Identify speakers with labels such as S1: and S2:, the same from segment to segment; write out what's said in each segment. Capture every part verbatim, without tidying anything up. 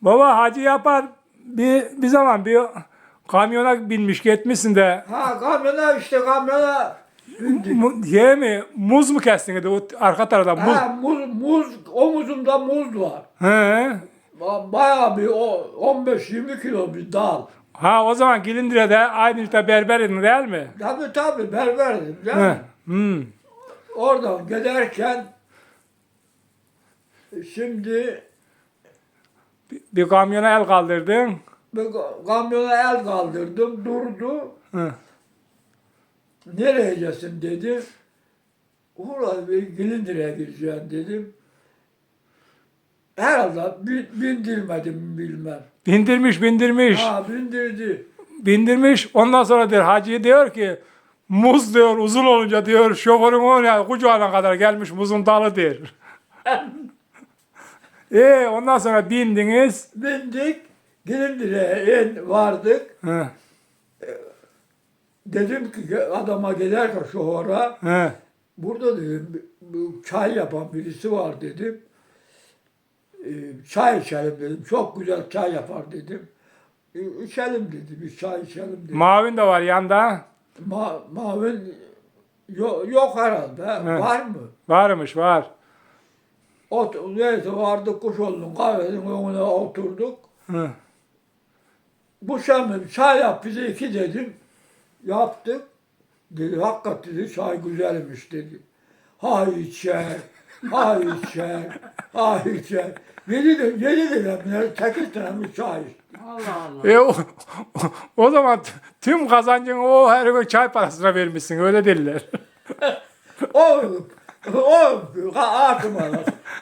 S1: Baba Hacı Yapar bir, bir zaman bir kamyona binmiş gitmişsin de
S2: Ha kamyona işte kamyona bindik.
S1: mu, şey mi muz mu kestin dedi o arka tarafta muz.
S2: Ha muz, muz, omuzumda muz var.
S1: He.
S2: Ba- Bayağı bir o on beş yirmi kilo bir dal.
S1: Ha o zaman Gilindire'de aynı işte berberin değil mi?
S2: Tabii tabii berberdim. Değil
S1: He.
S2: mi?
S1: Hmm.
S2: Oradan giderken şimdi
S1: Bir, bir kamyona el kaldırdın.
S2: bir kamyona el kaldırdım durdu.
S1: Hı.
S2: Nereye gideceksin dedi. Ulan bir Gilindire'ye gideceğim dedim. Herhalde bin- bindirmedim bilmem.
S1: Bindirmiş bindirmiş.
S2: Ha bindirdi.
S1: Bindirmiş. Ondan sonra diyor Hacı diyor ki muz diyor uzun olunca diyor şoförün oraya kucağına kadar gelmiş muzun dalı diyor. E ondan sonra bindiniz.
S2: Bindik. Gilindire'ye in vardık.
S1: Hı,
S2: Dedim ki adama giderken şoföre
S1: hı.
S2: burada dedim bu çay yapan birisi var dedim. Ee, çay içelim dedim. Çok güzel çay yapar dedim. Ee, içelim dedi. Bir çay içelim dedi.
S1: Mavin de var yanda.
S2: Ma mavin yok, yok herhalde. Var mı?
S1: Varmış var.
S2: Ot neyse vardık Kuşoğlu'nun kahvenin önüne oturduk.
S1: Hı.
S2: Bu şamim çay yap bize iki dedim. Yaptık. Dedi hakikat dedi çay güzelmiş dedi. Ha içer, ha içer, ha içer. Yedi de yedi de sekiz tane bir çay içti.
S3: Allah Allah.
S1: E, o, o zaman t- tüm kazancını o her gün çay parasına vermişsin öyle dediler.
S2: O, o ağzıma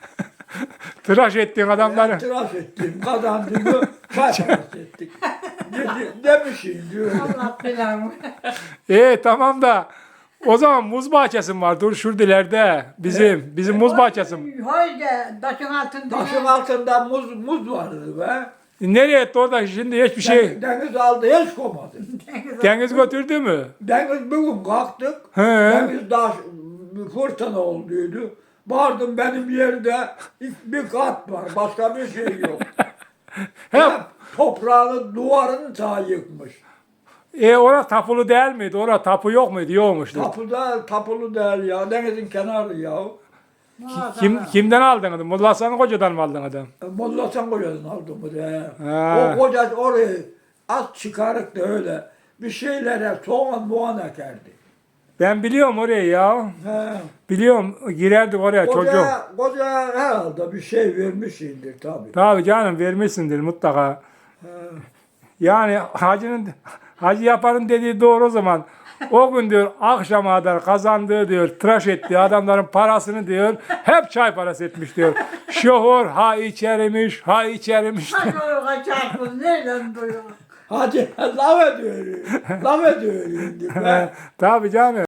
S1: Tıraş ettiğin adamları.
S2: tıraş ettim, kazandığımı çay parası ettik. Dedi, demişim diyor.
S3: Allah belamı.
S1: E tamam da o zaman muz bahçesi var dur şurada ileride bizim bizim muz bahçesi.
S3: Haydi taşın altında.
S2: Taşın altında muz, muz vardı be.
S1: Nereye etti orada şimdi hiçbir şey
S2: Deniz aldı hiç koymadı.
S1: deniz götürdü mü?
S2: Deniz bugün kalktık.
S1: He.
S2: Deniz daha fırtına olduydu. Vardım benim yerde bir kat var. Başka bir şey yok.
S1: Hep.
S2: Hep toprağını duvarını ta yıkmış.
S1: E orada tapulu değil miydi? Orada tapu yok muydu? Yokmuştu.
S2: Tapuda tapulu değil ya. Denizin kenarı ya.
S1: Kim kimden aldın adam? Molla Hasan Koca'dan mı aldın adam?
S2: Molla Hasan Koca'dan aldım bu da.
S1: Ha.
S2: O koca orayı at çıkarık da öyle bir şeylere soğan muğan ekerdi.
S1: Ben biliyorum orayı ya.
S2: He.
S1: Biliyorum girerdik oraya çocuk.
S2: Koca, koca herhalde bir şey vermişsindir tabii.
S1: Tabii canım vermişsindir mutlaka. Yani hacının hacı yaparın dediği doğru o zaman. O gün diyor akşama kadar kazandığı diyor tıraş ettiği adamların parasını diyor hep çay parası etmiş diyor. Şoför ha içerimiş ha içerimiş.
S3: Hadi o kaçak nereden duyuyor?
S2: Hadi laf ediyorum. Laf ediyorum.
S1: Tabii canım.